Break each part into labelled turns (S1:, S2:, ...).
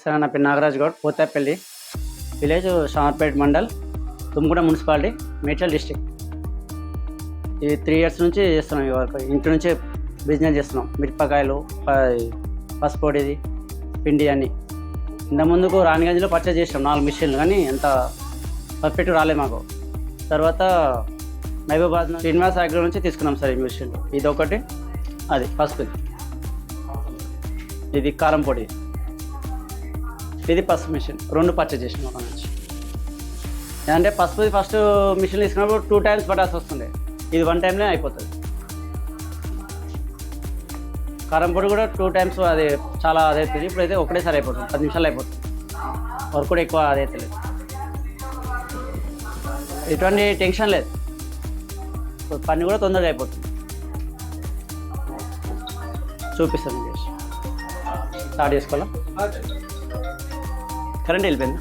S1: Sir నా పేరు Nagaraj Goud, Pothapalli village, Shamirpet mandal, Tummuguda municipality, Medchal district. ఈ 3 years నుంచి చేస్తున్నాం. ఈ వర్క్ ఇంటి నుంచే బిజినెస్ చేస్తున్నాం. మిరపకాయలు, పసుపొడిది, పిండి అన్నీ. ఇంత ముందుకు రాణిగంజ్లో పర్చేజ్ చేసాం 4 మిషన్లు, కానీ ఎంత పర్ఫెక్ట్ రాలేదు మాకు. తర్వాత మహబూబాద్ శ్రీనివాస్ అగ్రో నుంచి తీసుకున్నాం సార్ ఈ మిషన్లు. ఇది ఒకటి, అది పసుపు, ఇది కారం పొడి, ఇది పసుపు మిషన్. 2 పర్చేజ్ చేసినాం ఒక నుంచి. అంటే పసుపు ఫస్ట్ మిషన్ తీసుకున్నప్పుడు 2 times పట్టాల్సి వస్తుండే, ఇది 1 timeలో అయిపోతుంది. కారం పొడి కూడా 2 times, అది చాలా అదవుతుంది. ఇప్పుడైతే ఒకటేసారి అయిపోతుంది, 10 నిమిషాలు అయిపోతుంది. వర్క్ కూడా ఎక్కువ అదైతే లేదు, ఎటువంటి టెన్షన్ లేదు, పని కూడా తొందరగా అయిపోతుంది. చూపిస్తాను మీకు, స్టార్ట్ చేసుకోవాలా? కరెంట్ వెళ్ళిపోయింది.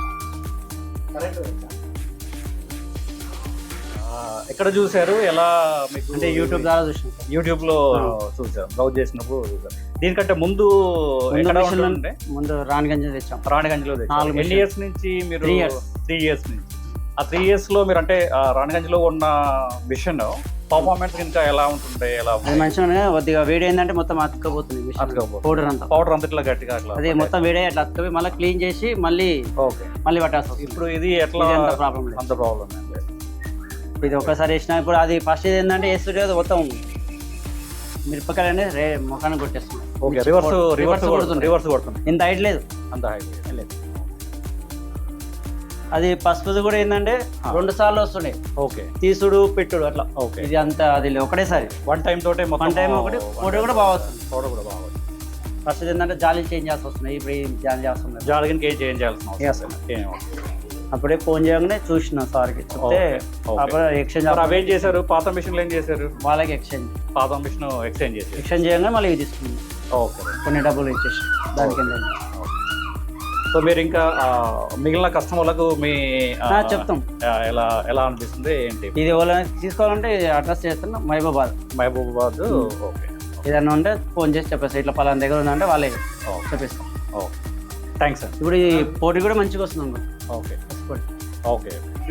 S2: ఎక్కడ చూసారు, ఎలా మీకు?
S1: అంటే యూట్యూబ్ ద్వారా చూసాను.
S2: యూట్యూబ్లో చూసారు, బ్రౌజ్ చేసినప్పుడు చూసారు. దీనికంటే ముందు ఎక్కడ ఉంటుండే?
S1: ముందు రాణిగంజ్ తెచ్చాం.
S2: రాణిగంజ్లో తెచ్చాం. ఎన్ని ఇయర్స్ నుంచి మీరు?
S1: 3 years.
S2: 3 years నుంచి. ఆ 3 yearsలో మీరు అంటే రాణిగంజ్లో ఉన్న మిషన్ పర్ఫార్మెన్స్ ఇంకా ఎలా ఉంటుండే? ఎలా
S1: అది మంచిగా కొద్దిగా వేడి ఏంటంటే మొత్తం అతుక్కపోతుంది పౌడర్ అంతా.
S2: పౌడర్ అంతా ఇట్లా గట్టిగా అట్లా
S1: అదే మొత్తం వేడి అట్లా అతుక్కపోయి మళ్ళీ క్లీన్ చేసి మళ్ళీ పట్టాల్సి వస్తుంది.
S2: ఇప్పుడు ఇది ఎట్లా?
S1: అంత ప్రాబ్లం లేదు,
S2: అంత ప్రాబ్లం లేదు.
S1: ఇది ఒకసారి వేసినా ఇప్పుడు అది ఫస్ట్ ఇది ఏంటంటే వేస్తుంటే మొత్తం మిరపకాయలు అనేది ముఖాన్ని కొట్టేస్తుంది.
S2: ఓకే, రివర్స్ కొడుతుంది.
S1: ఇంత హైట్ లేదు,
S2: అంత హైట్ లేదు.
S1: అది పసుపుది కూడా ఏంటంటే 2 సార్లు వస్తుండే.
S2: ఓకే,
S1: తీసుడు పెట్టుడు అట్లా.
S2: ఓకే,
S1: ఇది అంత అది ఒకటేసారి
S2: 1 time తోటే
S1: 1 time ఒకటి. పౌడర్ కూడా బాగా వస్తుంది.
S2: పౌడర్ కూడా బాగా వస్తుంది.
S1: ఫస్ట్ ఏంటంటే జాలి చేంజ్ చేయాల్సి వస్తున్నాయి. ఇప్పుడు ఏం జాలి చేస్తున్నారు,
S2: జాలిగిన్ కేజ్ చేంజ్ చేయాల్సిన అవసరం.
S1: అప్పుడే ఫోన్ చేయగానే చూసిన సార్కి చెప్తే అప్పుడు ఎక్స్చేంజ్.
S2: అవేం చేశారు? పాత మిషన్లు ఏం చేశారు?
S1: వాళ్ళకి ఎక్స్చేంజ్,
S2: పాత మిషన్ ఎక్స్చేంజ్
S1: చేయగానే మళ్ళీ ఇవి తీసుకున్నాం.
S2: ఓకే,
S1: కొన్ని డబ్బులు ఇచ్చేసి దానికి ఏంటంటే.
S2: సో మీరు ఇంకా మిగిలిన కస్టమర్లకు మీ
S1: చెప్తాం
S2: ఎలా ఎలా అనిపిస్తుంది ఏంటి?
S1: ఇది ఎవరైనా తీసుకోవాలంటే అడ్రస్ చేస్తున్నా మహబూబాబాద్.
S2: ఓకే,
S1: ఏదన్నా ఉంటే ఫోన్ చేసి చెప్పేస్తాం, ఇట్లా పలానా దగ్గర ఉందంటే వాళ్ళే చెప్పేస్తాం.
S2: Okay, thanks sir.
S1: ఇప్పుడు ఈ పోటీ కూడా మంచిగా వస్తుంది.
S2: ఓకే ఓకే,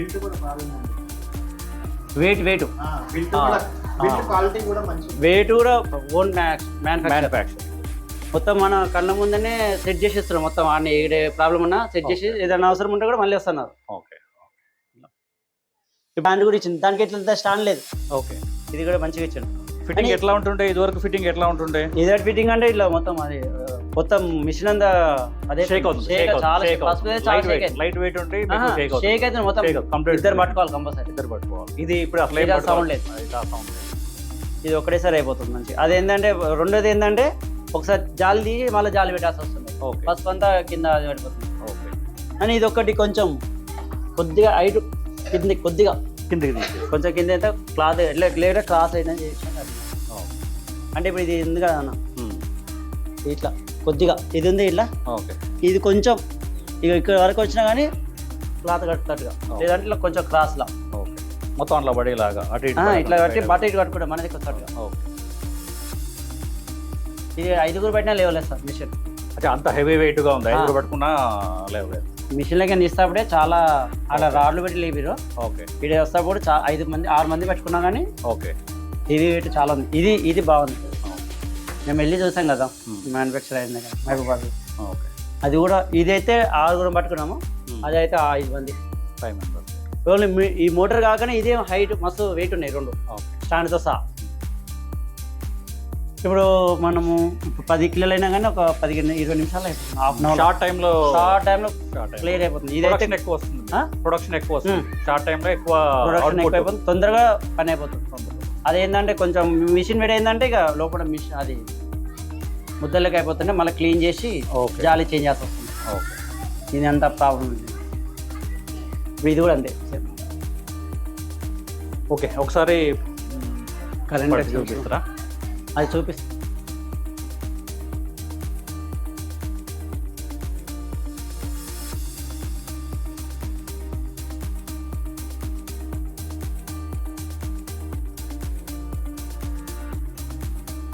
S1: వెయిట్ కూడా ఓన్ మ్యానుఫ్యాక్చర్. మొత్తం మన కళ్ళ ముందనే సెట్ చేసి ఇస్తున్నాం. మొత్తం ఆడ ఏ ప్రాబ్లం ఉన్నా సెట్ చేసి, ఏదైనా అవసరం ఉంటే కూడా మళ్ళీ వస్తున్నారు.
S2: ఓకే,
S1: బ్యాండ్ కూడా ఇచ్చింది, దానికి ఎట్లా స్టాండ్ లేదు.
S2: ఓకే,
S1: ఇది కూడా మంచిగా ఇచ్చాను.
S2: ఫిట్టింగ్ ఎట్లా ఉంటుండే? ఇదివరకు ఫిట్టింగ్ ఎట్లా ఉంటుండే?
S1: ఇదే ఫిట్టింగ్ అంటే ఇట్లా మొత్తం అది మొత్తం మిషన్ అంతా అదే
S2: షేక్ అవుతుంది. లైట్ వెయిట్ ఉంటే
S1: షేక్ అయితే మొత్తం ఇద్దరు పట్టుకోవాలి, కంపల్సరీ
S2: ఇద్దరు పట్టుకోవాలి. ఇది ఇప్పుడు అసలు
S1: సౌండ్ లేదు, ఇది ఒకటేసారి అయిపోతుంది మంచి. అదేంటంటే రెండోది ఏంటంటే ఒకసారి జాలి తీసి మళ్ళీ జాలి పెట్టాల్సి వస్తుంది. పసుపు అంతా కింద పడిపోతుంది.
S2: ఓకే,
S1: అని ఇది ఒకటి కొంచెం కొద్దిగా హైట్ కింద, కొద్దిగా
S2: కిందకి
S1: కొంచెం కింద అయితే క్లాత్ ఎట్లా క్రాస్ అయిందని చేసి. అంటే ఇప్పుడు ఇది ఉంది కదా అన్న, ఇట్లా కొద్దిగా ఇది ఉంది ఇట్లా.
S2: ఓకే,
S1: ఇది కొంచెం ఇక ఇక్కడ వరకు వచ్చినా కానీ క్లాత్ కట్టుతట్టుగా, లేదంటే ఇట్లా కొంచెం క్రాస్లా.
S2: ఓకే, మొత్తం అట్లా పడేలాగా అటు
S1: ఇట్లా కట్టి బట్ట ఇటు కట్టుకుంటాం మనది కొత్తగా.
S2: ఓకే,
S1: ఇది 5గురు పెట్టినా లేవలేదు సార్ మిషన్.
S2: అంటే అంత హెవీ వెయిట్గా ఉంది, 5గురు పట్టుకున్నా లేవలేదు.
S1: మిషన్లకి ఇస్తాప్పుడే చాలా అలా రాడ్లు పెట్టి లేపిరు.
S2: ఓకే,
S1: ఇది వస్తాప్పుడు 5 మంది 6 మంది పెట్టుకున్నా కానీ.
S2: ఓకే,
S1: హెవీ వెయిట్ చాలా ఉంది. ఇది బాగుంది. మేము వెళ్ళి చూసాం కదా మ్యానుఫ్యాక్చర్ అయింది కదా మహబూబాబాద్.
S2: ఓకే,
S1: అది కూడా ఇదైతే 6గురు పట్టుకున్నాము, అది అయితే 5 మంది
S2: 5 members.
S1: ఓన్లీ ఈ మోటార్ కాకనే ఇదే హైట్ మస్తు వెయిట్ ఉన్నాయి 2 స్టాండ్తో సహా. ఇప్పుడు మనము 10 కిలోలు అయినా కానీ ఒక 15-20 నిమిషాలు అయిపోతుంది. హాఫ్ అన్ అవర్
S2: షార్ట్ టైంలో
S1: క్లియర్ అయిపోతుంది. ఇదైతే
S2: ఎక్కువ వస్తుంది, ప్రొడక్షన్ ఎక్కువ వస్తుంది. షార్ట్ టైంలో
S1: ప్రొడక్షన్ ఎక్కువ అయిపోతుంది, తొందరగా పని అయిపోతుంది. అదేంటంటే కొంచెం మిషన్ వేడి అయిందంటే ఇక లోపల మిషన్ అది ముద్దలకి అయిపోతుంటే మళ్ళీ క్లీన్ చేసి జాలి చేంజ్ చేసి వస్తుంది. ఇది అంత ప్రాబ్లం ఉంది. ఇది కూడా అంతే.
S2: ఓకే, ఒకసారి
S1: కరెంట్
S2: చూపిస్తారా?
S1: అది చూపిస్తా.